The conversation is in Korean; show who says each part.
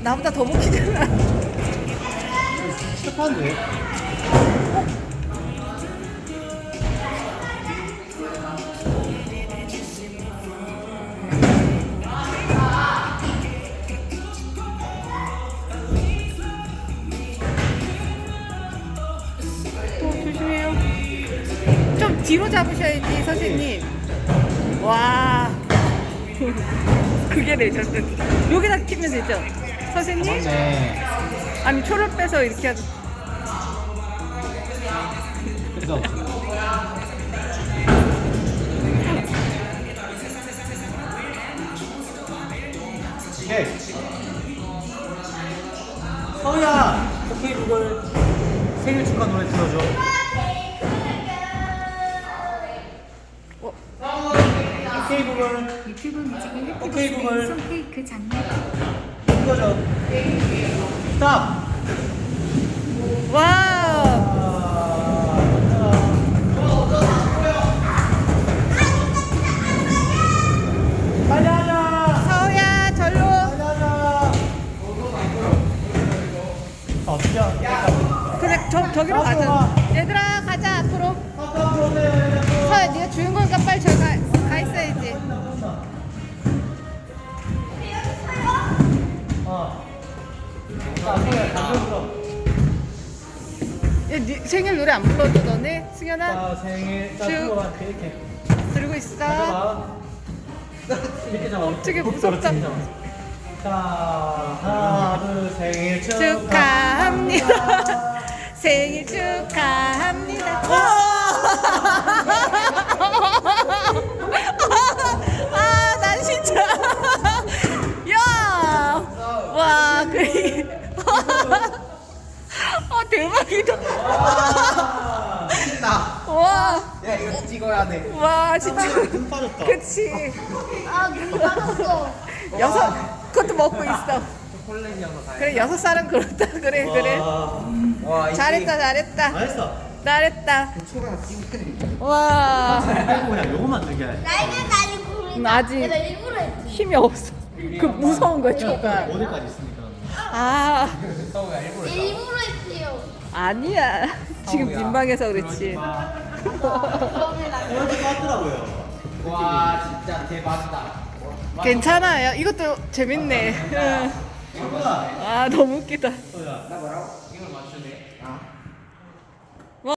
Speaker 1: 나보다 더 먹히잖아.
Speaker 2: 착한데?
Speaker 1: 조심해요. 좀 뒤로 잡으셔야지 선생님. 와. 그게 레전드. 여기다 끼면 되죠? 선생님?
Speaker 2: 맞네.
Speaker 1: 아니 초를 빼서 이렇게 하죠.
Speaker 2: 그죠? 오케이. 서우야! 오케이 구글 생일 축하 노래 틀어줘.
Speaker 1: 어.
Speaker 2: 오케이 구글
Speaker 3: 유튜브 뮤직의
Speaker 2: 오케이, 구글.
Speaker 3: 햇빛 케이크 장면
Speaker 2: 틀어줘. 스탑!
Speaker 1: 와우.
Speaker 2: 빨리 하자!
Speaker 1: 서우야 절로.
Speaker 2: 빨리 하자! 어떻게
Speaker 1: 그래 저기로 가자. 얘들아 가자 앞으로. 서야 네가 주인공이니까 빨리 저기 가 있어야지.
Speaker 2: 자, 소야, 담배 불어.
Speaker 1: 얘 네 생일 노래 안 불러줘 너네? 승현아
Speaker 2: 자, 생일. 자,
Speaker 1: 쭉.
Speaker 2: 들어봐. 이렇게.
Speaker 1: 들고 있어.
Speaker 2: 잡아. 이렇게 잡아.
Speaker 1: 되게
Speaker 2: 훅
Speaker 1: 무섭다.
Speaker 2: 떨어뜨리자. 자, 하나, 둘, 생일
Speaker 1: 축하합니다. 생일 축하합니다. 아, 난 진짜. 야, 와, 그래. 대박이다.
Speaker 2: 신나.
Speaker 1: 와,
Speaker 2: 야, 이거 찍어야 돼.
Speaker 1: 와, 진짜.
Speaker 2: 눈 빠졌다.
Speaker 1: 그치.
Speaker 3: 아 눈이 빠졌어.
Speaker 1: 그것도 먹고 있어.
Speaker 2: 초콜릿 이어서 다
Speaker 1: 그래, 6살은 그렇다. 그래, 그래.
Speaker 2: 와,
Speaker 1: 잘했다, 잘했다.
Speaker 2: 잘했어.
Speaker 1: 잘했다.
Speaker 2: 초가 찍으면
Speaker 1: 와,
Speaker 2: 뭐야, 요거만 들게 해.
Speaker 3: 나이는 아니고
Speaker 1: 아직
Speaker 3: 내가 일부러 했지.
Speaker 1: 힘이 없어. 그 무서운 거야, 초가.
Speaker 2: 어디까지 있으니까.
Speaker 1: 아,
Speaker 3: 일부러 했지요.
Speaker 1: 아니야. 지금 민망해서 그렇지.
Speaker 2: 이렇게 같더라고요.
Speaker 4: 와 진짜 대박이다.
Speaker 1: 괜찮아요. 이것도 재밌네. 응.
Speaker 2: 친구야.
Speaker 1: 아, 너무 웃기다.
Speaker 2: 소야.
Speaker 4: 나 뭐라고? 이걸 맞추네.